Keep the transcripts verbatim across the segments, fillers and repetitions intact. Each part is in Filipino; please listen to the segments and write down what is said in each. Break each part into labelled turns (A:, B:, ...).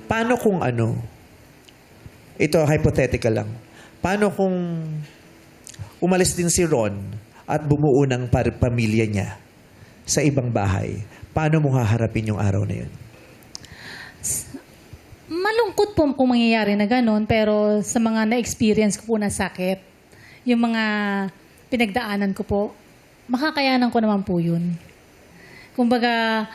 A: paano kung ano, ito hypothetical lang, paano kung umalis din si Ron at bumuo ng par- pamilya niya sa ibang bahay, paano mo haharapin yung araw na yun?
B: Malungkot po kung mangyayari na ganun, pero sa mga na-experience ko po na sakit, yung mga pinagdaanan ko po, makakayanan ko naman po yun. Kumbaga,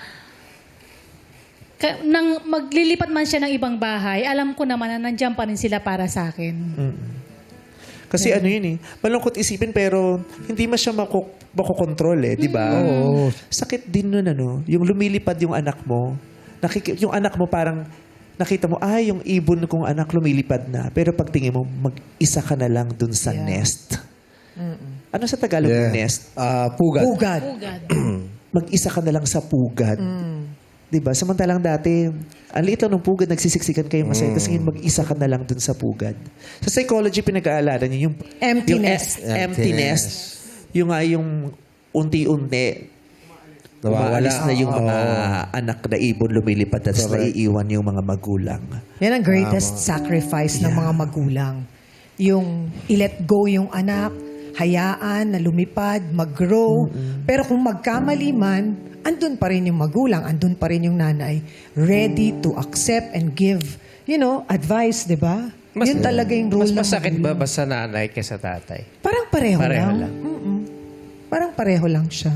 B: ka, nang maglilipat man siya ng ibang bahay, alam ko naman na nandiyan pa rin sila para sa akin.
A: Mm. Kasi ano yun eh, malungkot isipin pero hindi mo siya mako, makokontrol eh, di ba?
C: Oo.
A: Sakit din nun ano, yung lumilipad yung anak mo, nakik- yung anak mo parang nakita mo, ay, yung ibon kong anak lumilipad na. Pero pagtingin mo, mag-isa ka na lang dun sa
D: Yeah.
A: nest. Ano sa Tagalog yung nest?
C: Ah, pugad.
D: Pugad.
B: Pugad.
A: Mag-isa ka na lang sa pugad. Diba? Samantalang dati, ang liit lang ng pugad, nagsisiksikan kayo masaya. Tapos ngayon, mag-isa ka na lang dun sa pugad. Sa psychology, pinag-aalalan niyo yung...
D: Empty
A: yung
D: nest.
A: e- empty nest. Yung nga yung unti-unti, umaalis na yung mga anak na ibon lumilipad at naiiwan yung mga magulang.
D: Yan ang greatest sacrifice ng mga magulang. Yung i-let go yung anak, hayaan na lumipad, mag-grow. Pero kung magkamali man, andun pa rin yung magulang, andun pa rin yung nanay, ready to accept and give, you know, advice, di ba? Yun talaga yung role
E: Mas
D: ng
E: masakit ba
D: magulang.
E: ba sa nanay kaysa tatay?
D: Parang pareho,
E: Pareho
D: lang.
E: lang.
D: Mm-mm. Parang pareho lang siya.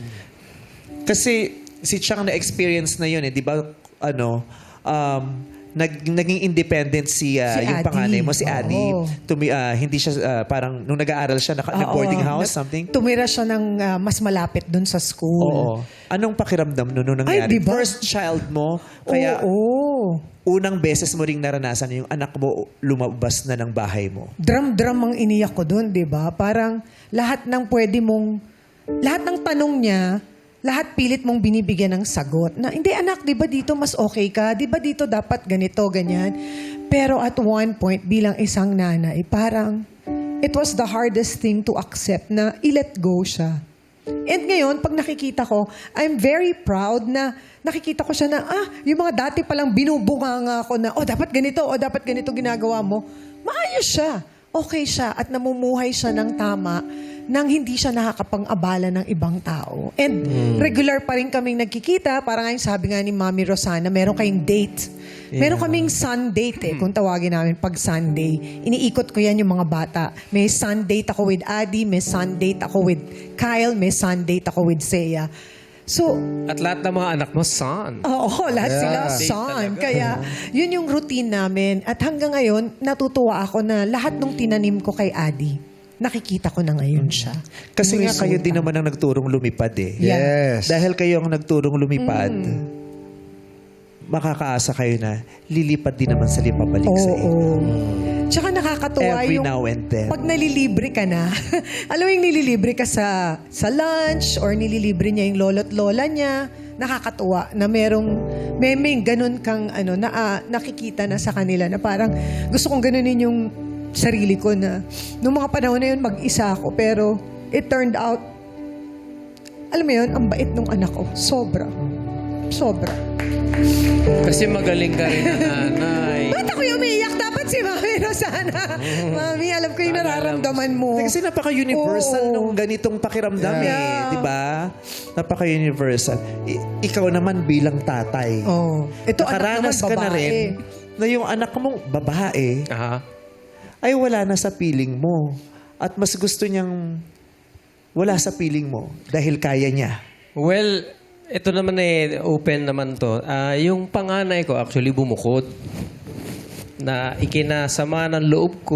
A: Kasi si Chang na-experience na yun eh, di ba, ano, um, nag, naging independent si, uh,
D: Si
A: yung
D: Adi.
A: panganay mo, si Adi.
D: Oo.
A: Tumi, uh, hindi siya, uh, parang, nung nag-aaral siya, naka,
D: Oo.
A: boarding house,
D: Na-
A: something.
D: Tumira siya ng ah, mas malapit dun sa school.
A: Oo. Anong pakiramdam nun nung
D: Ay,
A: nangyari?
D: di ba?
A: First child mo, kaya
D: Oo.
A: unang beses mo ring naranasan yung anak mo lumabas na ng bahay mo.
D: Drum-drum ang iniyak ko doon, di ba? Parang lahat ng pwede mong, lahat ng tanong niya, lahat pilit mong binibigyan ng sagot. Na, hindi anak, di ba dito mas okay ka? Di ba dito dapat ganito, ganyan? Pero at one point, bilang isang nanay, parang it was the hardest thing to accept na i-let go siya. And ngayon, pag nakikita ko, I'm very proud na nakikita ko siya na, ah, yung mga dati palang binubunganga ako na, oh, dapat ganito, oh, dapat ganito ginagawa mo. Maayos siya. Okay siya. At namumuhay siya ng tama nang hindi siya nakakapang-abala ng ibang tao. And regular pa rin kaming nagkikita. Parang ngayon sabi nga ni Mami Rosana, meron kayong date. Meron kaming sun date eh, kung tawagin namin pag Sunday. Iniikot ko yan yung mga bata. May sun date ako with Adi, may sun date ako with Kyle, may sun date ako with Seiya. So,
E: At lahat ng mga anak mo, son.
D: oo, lahat sila
E: Date
D: son.
E: talaga.
D: Kaya, yun yung routine namin. At hanggang ngayon, natutuwa ako na lahat ng tinanim ko kay Adi, nakikita ko na ngayon siya.
A: Kasi
D: Yung
A: nga kayo
D: resulta.
A: din naman ang nagturong lumipad eh.
C: Yes.
A: Dahil kayo ang nagturong lumipad,
D: Mm.
A: makakaasa kayo na lilipad din naman sila pabalik sa
D: Oo.
A: inyo.
D: Tsaka nakakatuwa
A: Every
D: yung
A: now and then.
D: pag nalilibre ka na, alam mo yung nililibre ka sa sa lunch or nililibre niya yung lolo't lola niya, nakakatuwa na merong may, may ganun kang ano na ah, nakikita na sa kanila na parang gusto kong ganunin yung sarili ko na nung mga panahon na yun mag-isa ako pero it turned out alam mo yun, ang bait nung anak ko. Sobra. Sobra.
E: Kasi magaling ka rin na nanay.
D: Ba't ako yung umiiyak? Dapat si Mami Rosana. Mami, alam ko yung nararamdaman mo.
A: Kasi napaka-universal
D: Oo.
A: nung ganitong pakiramdam
D: Yeah.
A: eh. Di ba? Napaka-universal. I- ikaw naman bilang tatay.
D: Oh. Ito
A: Nakaranas
D: anak
A: ka
D: naman
A: na
D: babae.
A: rin na yung anak mong babae
E: Aha.
A: ay wala na sa piling mo. At mas gusto niyang wala sa piling mo dahil kaya niya.
E: Well, ito naman eh, open naman to. Ah, yung panganay ko actually bumukod. Na ikinasama ng loob ko.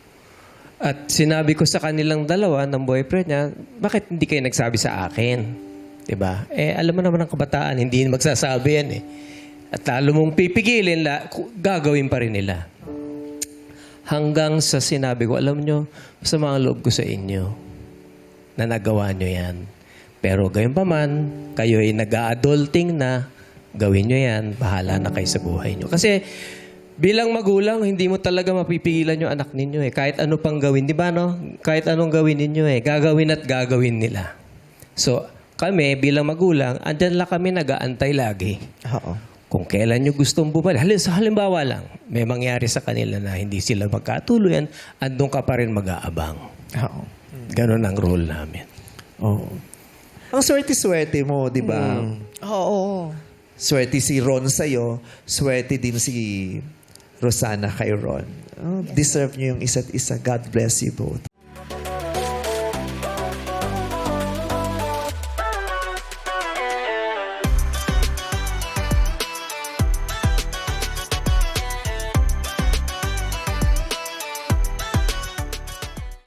E: At sinabi ko sa kanilang dalawa ng boyfriend niya, bakit hindi kayo nagsabi sa akin? Diba? Eh, alam mo naman ang kabataan, hindi magsasabi yan eh. At lalo mong pipigilin, la, gagawin pa rin nila. Hanggang sa sinabi ko, alam nyo, masama ang loob ko sa inyo na nagawa nyo yan. Pero gayon pa man, kayo ay nag-a-adulting na, gawin nyo yan, bahala na kayo sa buhay nyo. Kasi bilang magulang, hindi mo talaga mapipigilan yung anak ninyo eh. Kahit ano pang gawin, di ba no? Kahit anong gawin ninyo eh, gagawin at gagawin nila. So, kami bilang magulang, andyan lang kami nag-aantay lagi.
A: Oo.
E: Kung kailan nyo gustong bumalik. Halim, sa halimbawa lang, may mangyari sa kanila na hindi sila magkatuluyan, andun ka pa rin mag-aabang.
A: Oo.
E: Ganon ang role namin.
A: Oo. Ang swerte-swerte mo, di ba?
D: Oo.
A: Swerte si Ron sa'yo, swerte din si Rosana kay Ron. Oh, deserve niyo yung isa't isa. God bless you both.